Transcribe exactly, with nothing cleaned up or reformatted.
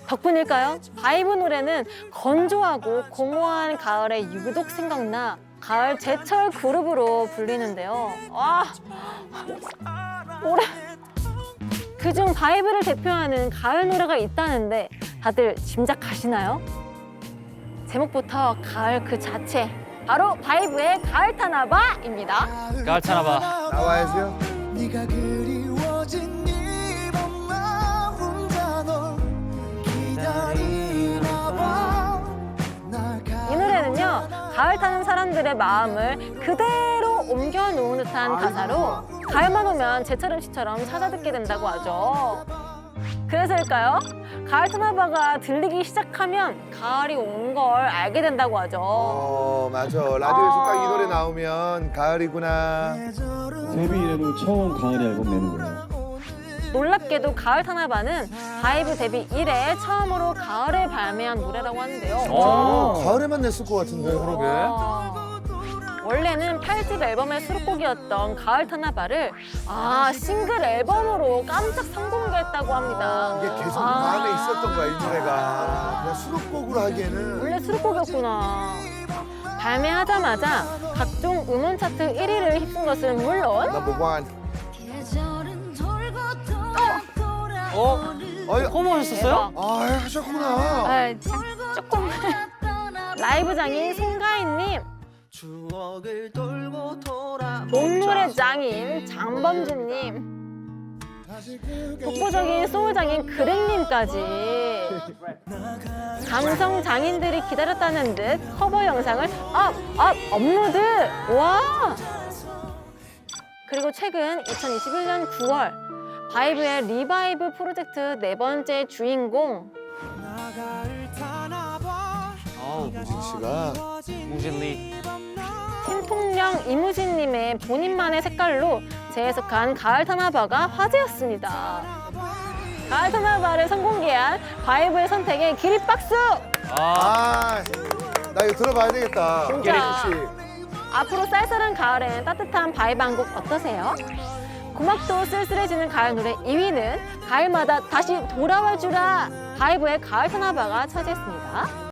덕분일까요? 바이브 노래는 건조하고 공허한 가을에 유독 생각나 가을 제철 그룹으로 불리는데요. 와, 올해 그중 바이브를 대표하는 가을 노래가 있다는데 다들 짐작하시나요? 제목부터 가을 그 자체, 바로 바이브의 가을 타나봐입니다. 가을 타나봐. 나와야죠. 네가 그리워진 이 밤 나 혼자 널 기다리나 봐. 이 노래는요, 가을 타는 사람들의 마음을 그대로 옮겨놓은 듯한 가사로 가을만 오면 제철 음식처럼 찾아 듣게 된다고 하죠. 그래서일까요? 가을 타나봐가 들리기 시작하면 가을이 온 걸 알게 된다고 하죠. 어, 맞아. 라디오에서 딱 이 노래 나오면 가을이구나. 데뷔 이래로 처음 가을 앨범 내는 거예요. 놀랍게도 가을 타나봐는 바이브 데뷔 이래 처음으로 가을에 발매한 노래라고 하는데요. 어. 가을에만 냈을 것 같은데. 그러게. 와. 원래는 팔 집 앨범의 수록곡이었던 가을 타나봐를 아 싱글 앨범으로 깜짝 선공개했다고 합니다. 이게 계속 아. 마음에 있었던 거야, 이 노래가. 그냥 수록곡으로 하기에는. 원래 수록곡이었구나. 발매하자마자 각종 음원 차트 일 위를 휩쓴 것은 물론 넘버 원. 어? 어이, 커머 하셨었어요? 아, 하셨구나. 아, 참, 조금 라이브 장인 송가인님, 추억을 돌고 돌아 봄노래 장인 장범준님, 독보적인 소울 장인 그랭님까지 감성 장인들이 기다렸다는 듯 커버 영상을 업, 업, 업로드! 와! 그리고 최근 이천이십일 년 구월 바이브의 리바이브 프로젝트 네 번째 주인공 아우, 우진 씨가. 우진리. 팀통령 이무진님의 본인만의 색깔로 재해석한 가을 타나봐가 화제였습니다. 가을 타나봐를 선공개한 바이브의 선택에 기립박수! 아, 아, 나 이거 들어봐야 되겠다. 진짜. 우진 씨. 앞으로 쌀쌀한 가을엔 따뜻한 바이브 한 곡 어떠세요? 고막도 쓸쓸해지는 가을 노래 이 위는 가을마다 다시 돌아와 주라 바이브의 가을 타나봐가 차지했습니다.